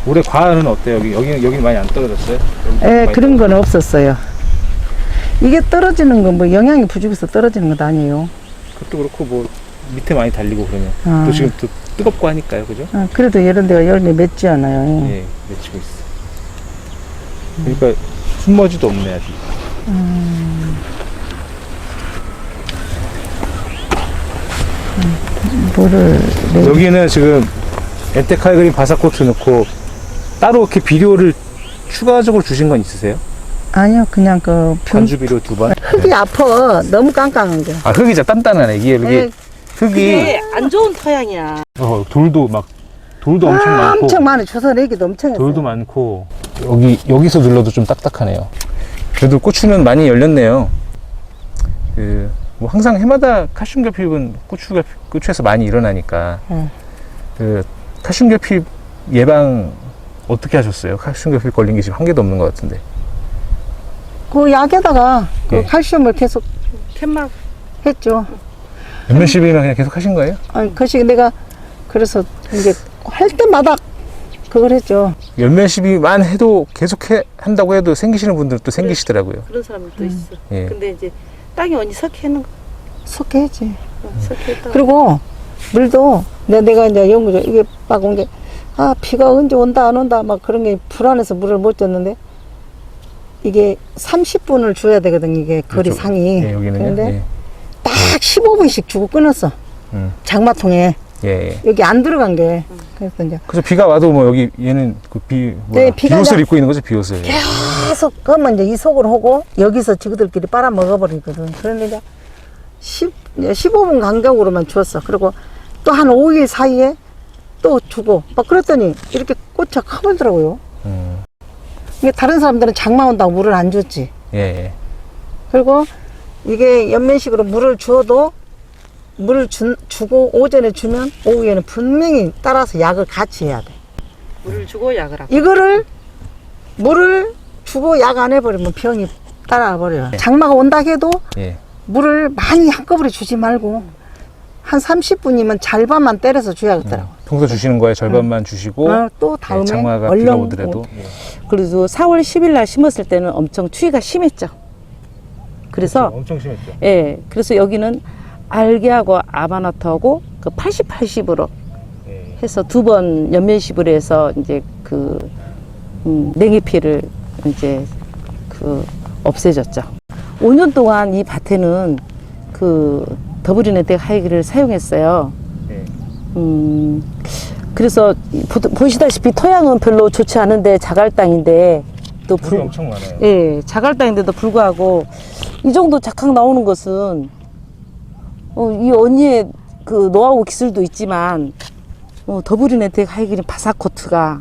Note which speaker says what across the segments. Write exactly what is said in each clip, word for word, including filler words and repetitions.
Speaker 1: 올해 과일은 어때요? 여기 여기 여기 많이 안 떨어졌어요?
Speaker 2: 예, 그런 건 없었어요. 이게 떨어지는 건 뭐 영양이 부족해서 떨어지는 것도 아니에요.
Speaker 1: 그것도 그렇고 뭐 밑에 많이 달리고 그러면
Speaker 2: 아.
Speaker 1: 또 지금 또 뜨겁고 하니까요, 그죠?
Speaker 2: 아, 그래도 이런 데가 열매 맺지 않아요.
Speaker 1: 예, 맺히고 있어. 그러니까 숨머지도 없네 아직.
Speaker 2: 음. 물을 내...
Speaker 1: 여기는 지금 엔테카이그린 바사코트 넣고 따로 이렇게 비료를 추가적으로 주신 건 있으세요?
Speaker 2: 아니요, 그냥 그 병...
Speaker 1: 반주 비료 두 번.
Speaker 2: 흙이 아파. 너무 깜깜한 게.
Speaker 1: 아 흙이 진짜 단단하네. 이게 이게
Speaker 2: 네.
Speaker 1: 흙이
Speaker 3: 이게 안 좋은 토양이야.
Speaker 1: 어, 돌도 막 돌도 엄청
Speaker 2: 아,
Speaker 1: 많고
Speaker 2: 엄청 많이 조선 애기도 엄청 했어요.
Speaker 1: 돌도 많고 여기 여기서 눌러도 좀 딱딱하네요. 그래도 고추는 많이 열렸네요. 그 뭐 항상 해마다 칼슘 결핍은 고추가 고추에서 많이 일어나니까
Speaker 2: 응.
Speaker 1: 그 칼슘 결핍 예방 어떻게 하셨어요? 칼슘 결핍 걸린 게 지금 한 개도 없는 것 같은데.
Speaker 2: 그 약에다가 그
Speaker 1: 예.
Speaker 2: 칼슘을 계속
Speaker 3: 캔막
Speaker 2: 했죠.
Speaker 1: 몇몇십 일만 그냥 계속 하신 거예요?
Speaker 2: 아니, 그것이 내가 그래서 이제 할 때마다 그걸 했죠.
Speaker 1: 몇몇십 일만 해도 계속 해, 한다고 해도 생기시는 분들은 또 생기시더라고요.
Speaker 3: 그런 사람도
Speaker 2: 음.
Speaker 3: 있어.
Speaker 1: 예.
Speaker 3: 근데 이제 땅이 언니 석회는 거.
Speaker 2: 속해야지.
Speaker 3: 석회다.
Speaker 2: 그리고 물도 내가, 내가 이제 연구죠. 이게 막 온 게, 아, 비가 언제 온다, 안 온다, 막 그런 게 불안해서 물을 못 줬는데, 이게 삼십 분을 줘야 되거든, 이게 거리
Speaker 1: 이쪽,
Speaker 2: 상이.
Speaker 1: 예, 여기는요.
Speaker 2: 그런데
Speaker 1: 예.
Speaker 2: 딱 십오 분씩 주고 끊었어.
Speaker 1: 음.
Speaker 2: 장마통에.
Speaker 1: 예, 예.
Speaker 2: 여기 안 들어간 게. 그래서 이제
Speaker 1: 그래서 비가 와도 뭐 여기 얘는 그 비, 뭐야,
Speaker 2: 네, 비가
Speaker 1: 비옷을
Speaker 2: 나-
Speaker 1: 입고 있는 거죠, 비옷을.
Speaker 2: 계속 그러면 이제 이 속을 하고, 여기서 지그들끼리 빨아먹어버리거든. 그런데 이제 십, 십오 분 간격으로만 줬어. 그리고 또 한 오 일 사이에 또 주고, 막 그랬더니 이렇게 꽃이 커보더라고요.
Speaker 1: 음.
Speaker 2: 이게 다른 사람들은 장마 온다고 물을 안 줬지.
Speaker 1: 예, 예.
Speaker 2: 그리고 이게 연면식으로 물을 주어도 물을 주, 주고 오전에 주면 오후에는 분명히 따라서 약을 같이 해야 돼.
Speaker 3: 물을 주고 약을 하고.
Speaker 2: 이거를 물을 주고 약 안 해버리면 병이 따라와 버려요. 장마가 온다 해도
Speaker 1: 예.
Speaker 2: 물을 많이 한꺼번에 주지 말고 한 삼십 분이면 절반만 때려서 줘야겠더라고.
Speaker 1: 평소 주시는 거에 절반만 주시고
Speaker 2: 어, 또 다음에
Speaker 1: 예, 장마가 비가
Speaker 2: 얼른
Speaker 1: 오더라도
Speaker 2: 오-
Speaker 1: 예.
Speaker 3: 그래서 사월 십일 날 심었을 때는 엄청 추위가 심했죠. 그래서
Speaker 1: 엄청 심했죠.
Speaker 3: 예, 그래서 여기는 알게하고 아바나트하고 그 팔십, 팔십으로
Speaker 1: 예.
Speaker 3: 해서 두 번 연면십을 해서 이제 그 음, 냉해피를 이제 그 없애졌죠. 오 년 동안 이 밭에는 그 더블인에텍 하이기를 사용했어요.
Speaker 1: 예.
Speaker 3: 음, 그래서 보, 보시다시피 토양은 별로 좋지 않은데 자갈 땅인데 또
Speaker 1: 물이
Speaker 3: 불,
Speaker 1: 엄청 많아요.
Speaker 3: 예, 자갈 땅인데도 불구하고 이 정도 작황 나오는 것은 어, 이 언니의 그 노하우 기술도 있지만 어, 더블인에텍 하이기린 바사코트가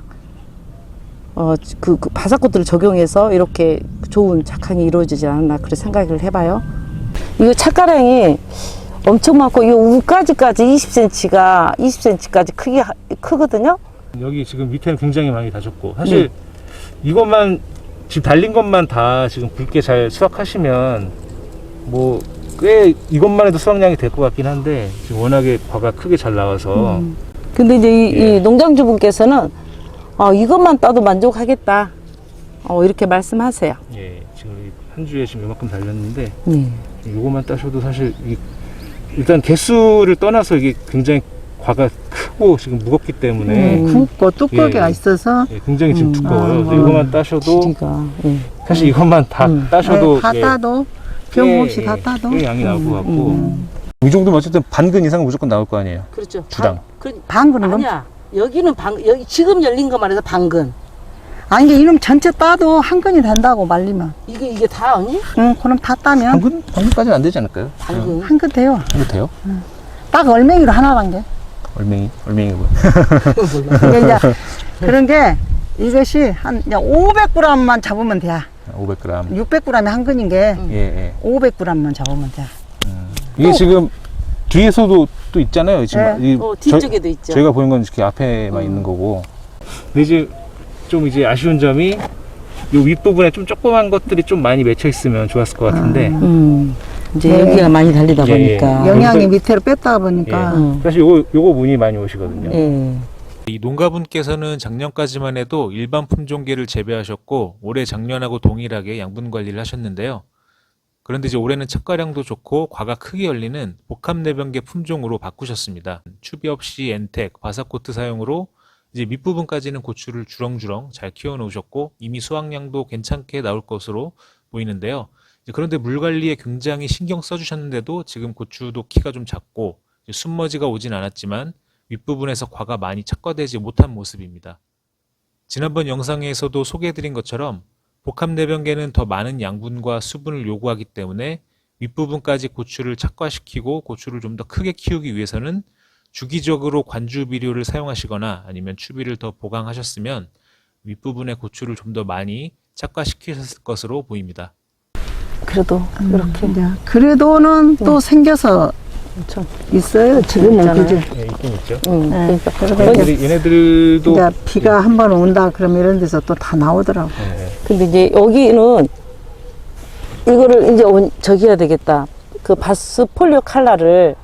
Speaker 3: 어, 그, 그 바사코트를 적용해서 이렇게 좋은 작황이 이루어지지 않았나 그런 생각을 해봐요. 이거 찻가량이 엄청 많고 이 우까지까지 이십 센티미터가 이십 센티미터까지 크기 크거든요.
Speaker 1: 여기 지금 밑에는 굉장히 많이 다졌고 사실 이것만 지금 달린 것만 다 지금 굵게 잘 수확하시면 뭐 꽤 이것만 해도 수확량이 될 것 같긴 한데 지금 워낙에 과가 크게 잘 나와서
Speaker 3: 음. 근데 이제 이,
Speaker 1: 예.
Speaker 3: 이 농장주분께서는 어, 이것만 따도 만족하겠다. 어, 이렇게 말씀하세요.
Speaker 1: 예, 지금 이 한 주에 지금 이만큼 달렸는데
Speaker 3: 네.
Speaker 1: 이거만 따셔도 사실 이, 일단 개수를 떠나서 이게 굉장히 과가 크고 지금 무겁기 때문에
Speaker 3: 음.
Speaker 2: 굵고 두꺼기가
Speaker 1: 예.
Speaker 2: 있어서
Speaker 1: 예, 굉장히 지금
Speaker 3: 음.
Speaker 1: 두꺼워요.
Speaker 2: 아,
Speaker 1: 그래서 이거만 따셔도
Speaker 3: 지가 예.
Speaker 1: 사실 이것만 다
Speaker 3: 음.
Speaker 1: 따셔도
Speaker 2: 네, 다
Speaker 1: 예,
Speaker 2: 따도 병
Speaker 1: 꽤,
Speaker 2: 없이 다
Speaker 1: 예,
Speaker 2: 따도
Speaker 1: 꽤 양이 나올 것 같고
Speaker 3: 음.
Speaker 1: 이 정도면 어쨌든 반근 이상은 무조건 나올 거 아니에요.
Speaker 3: 그렇죠.
Speaker 1: 주당.
Speaker 3: 그,
Speaker 2: 방근은 넘
Speaker 3: 아니야. 여기는 방 여기 지금 열린 것만 해서 방근.
Speaker 2: 아니 이게 이놈 전체 따도 한 건이 된다고 말리면.
Speaker 3: 이게 이게 다 아니?
Speaker 2: 응, 그럼 다 따면
Speaker 1: 반근 반근까지는 안 되지 않을까요?
Speaker 3: 방근.
Speaker 2: 한 건 돼요.
Speaker 1: 이거 돼요?
Speaker 2: 딱 얼맹이로 하나란 게.
Speaker 1: 얼맹이 얼맹이 뭐?
Speaker 2: 이게 이제 그런 게 이것이 한 오백 그램만 잡으면 돼.
Speaker 1: 오백 그램.
Speaker 2: 육백 그램이 한 근인 게
Speaker 1: 예, 예.
Speaker 2: 오백 그램만 잡으면 돼.
Speaker 1: 이게
Speaker 2: 또-
Speaker 1: 지금 뒤에서도 또 있잖아요. 지금
Speaker 2: 네.
Speaker 1: 이
Speaker 3: 어,
Speaker 1: 저-
Speaker 3: 뒤쪽에도 있죠.
Speaker 1: 저희가 보는 건 이렇게 앞에만 있는 거고. 근데 이제 좀 이제 아쉬운 점이 요 윗부분에 좀 조그만 것들이 좀 많이 맺혀 있으면 좋았을 것 같은데
Speaker 3: 음. 이제
Speaker 2: 네.
Speaker 3: 여기가 많이 달리다
Speaker 1: 예, 예.
Speaker 3: 보니까.
Speaker 1: 영-
Speaker 2: 영양이
Speaker 1: 여기서-
Speaker 2: 밑으로 뺐다 보니까
Speaker 3: 음.
Speaker 1: 사실 요거 요거 문이 많이 오시거든요.
Speaker 3: 예.
Speaker 4: 이 농가분께서는 작년까지만 해도 일반 품종계를 재배하셨고 올해 작년하고 동일하게 양분 관리를 하셨는데요. 그런데 이제 올해는 착과량도 좋고 과가 크게 열리는 복합내병계 품종으로 바꾸셨습니다. 추비 없이 엔텍, 바사코트 사용으로 이제 밑부분까지는 고추를 주렁주렁 잘 키워 놓으셨고 이미 수확량도 괜찮게 나올 것으로 보이는데요. 그런데 물 관리에 굉장히 신경 써주셨는데도 지금 고추도 키가 좀 작고 순머지가 오진 않았지만 윗부분에서 과가 많이 착과되지 못한 모습입니다. 지난번 영상에서도 소개해드린 것처럼 복합내병계는 더 많은 양분과 수분을 요구하기 때문에 윗부분까지 고추를 착과시키고 고추를 좀 더 크게 키우기 위해서는 주기적으로 관주 비료를 사용하시거나 아니면 추비를 더 보강하셨으면 윗부분의 고추를 좀 더 많이 착과시키셨을 것으로 보입니다.
Speaker 3: 그래도 이렇게
Speaker 2: 이제 그래도는 또 생겨서
Speaker 3: 엄청
Speaker 2: 있어요. 지금은 그죠?
Speaker 1: 예, 있긴 있죠.
Speaker 3: 응,
Speaker 2: 네.
Speaker 3: 그러니까
Speaker 2: 그리고
Speaker 1: 얘네들이, 얘네들도
Speaker 2: 이제 비가 한 번 온다 그러면 이런 데서 또 다 나오더라고.
Speaker 1: 예, 예.
Speaker 3: 근데 이제 여기는 이거를 이제 온, 저기 해야 되겠다. 그 바스 폴리오 칼라를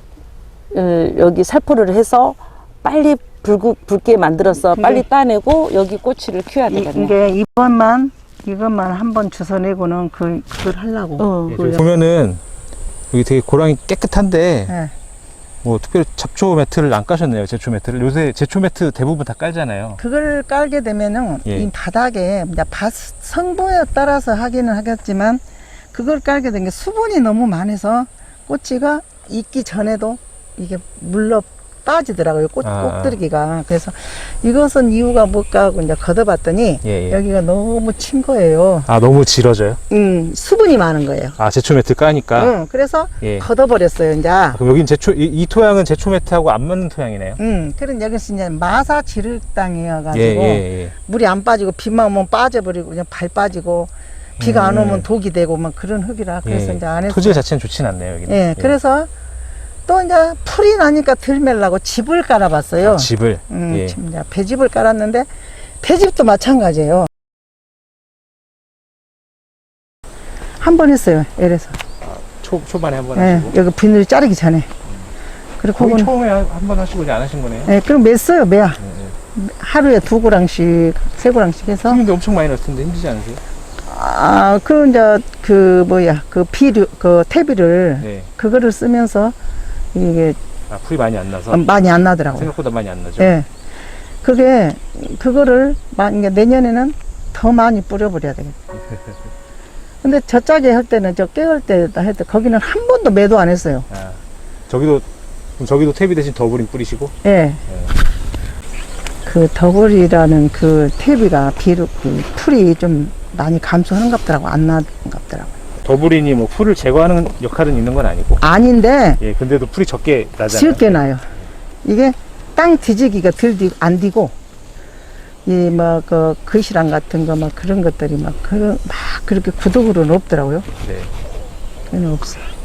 Speaker 3: 어, 여기 살포를 해서 빨리 붉, 붉게 만들어서
Speaker 2: 근데
Speaker 3: 빨리 따내고 여기 꼬치를 키워야
Speaker 2: 이,
Speaker 3: 되겠네.
Speaker 2: 이게 이번만 이것만 한 번 주워내고는 그 그걸 하려고.
Speaker 3: 어.
Speaker 1: 예,
Speaker 2: 그걸-
Speaker 1: 저기 보면은 여기 되게 고랑이 깨끗한데
Speaker 2: 예.
Speaker 1: 뭐 특별히 잡초 매트를 안 까셨네요. 제초 매트를. 요새 제초 매트 대부분 다 깔잖아요.
Speaker 2: 그걸 깔게 되면은
Speaker 1: 예.
Speaker 2: 이 바닥에 이제 밭 성분에 따라서 하기는 하겠지만 그걸 깔게 된 게 수분이 너무 많아서 꼬치가 익기 전에도 이게 물러 빠지더라고요. 꽃,
Speaker 1: 아.
Speaker 2: 꼭들기가. 그래서 이것은 이유가 뭘까 하고 이제 걷어봤더니
Speaker 1: 예, 예.
Speaker 2: 여기가 너무 친 거예요.
Speaker 1: 아, 너무 질어져요?
Speaker 2: 음, 수분이 많은 거예요.
Speaker 1: 아, 제초 매트 까니까.
Speaker 2: 응, 그래서
Speaker 1: 예.
Speaker 2: 걷어버렸어요, 이제.
Speaker 1: 아, 그럼 여긴 제초, 이, 이 토양은 제초 매트하고 안 맞는 토양이네요.
Speaker 2: 음, 그런 여기서 이제 마사 지륵 땅이어가지고
Speaker 1: 예, 예, 예.
Speaker 2: 물이 안 빠지고 비만 오면 빠져버리고 그냥 발 빠지고 비가 안
Speaker 1: 음.
Speaker 2: 오면 독이 되고 막 그런 흙이라 그래서
Speaker 1: 예.
Speaker 2: 이제 안 했어요.
Speaker 1: 토질 자체는 좋진 않네요, 여기는.
Speaker 2: 예, 그래서 또 이제 풀이 나니까 들매려고 집을 깔아봤어요.
Speaker 1: 아, 집을.
Speaker 2: 음,
Speaker 1: 예.
Speaker 2: 지금 이제 배집을 깔았는데 배집도 마찬가지예요. 한 번 했어요, 에래서.
Speaker 1: 초, 초반에 한 번
Speaker 2: 예,
Speaker 1: 하시고.
Speaker 2: 여기 비늘 자르기 전에. 그리고
Speaker 1: 거의
Speaker 2: 그건
Speaker 1: 처음에 한 번 하시고 이제 안 하신 거네요.
Speaker 2: 예, 그럼 맸어요, 매야.
Speaker 1: 예, 예.
Speaker 2: 하루에 두 고랑씩, 세 고랑씩 해서.
Speaker 1: 근데 엄청 많이 넣을 텐데 힘들지 않으세요?
Speaker 2: 아, 그 이제 그 뭐야, 그 비료, 그 퇴비를
Speaker 1: 네.
Speaker 2: 그거를 쓰면서 이게
Speaker 1: 아, 풀이 많이 안 나서.
Speaker 2: 많이 안 나더라고요.
Speaker 1: 생각보다 많이 안 나죠.
Speaker 2: 예. 그게, 그거를, 만약에 내년에는 더 많이 뿌려버려야 되겠다. 근데 저 짝에 할 때는, 저 깨울 때다 할 때, 거기는 한 번도 매도 안 했어요.
Speaker 1: 아, 저기도, 그럼 저기도 퇴비 대신 더블인 뿌리시고.
Speaker 2: 예. 그 더블이라는 그 퇴비가 비료, 그 풀이 좀 많이 감소하는 것 같더라고. 안 나는 것 같더라고.
Speaker 1: 더블인이 뭐 풀을 제거하는 역할은 있는 건 아니고.
Speaker 2: 아닌데,
Speaker 1: 예, 근데도 풀이 적게 나잖아요.
Speaker 2: 적게 나요. 이게 땅 뒤지기가 덜 디, 안 디고, 이, 뭐, 그, 거시랑 같은 거, 막 그런 것들이 막, 그, 막 그렇게 구독으로는 없더라고요.
Speaker 1: 네.
Speaker 2: 그는 없어.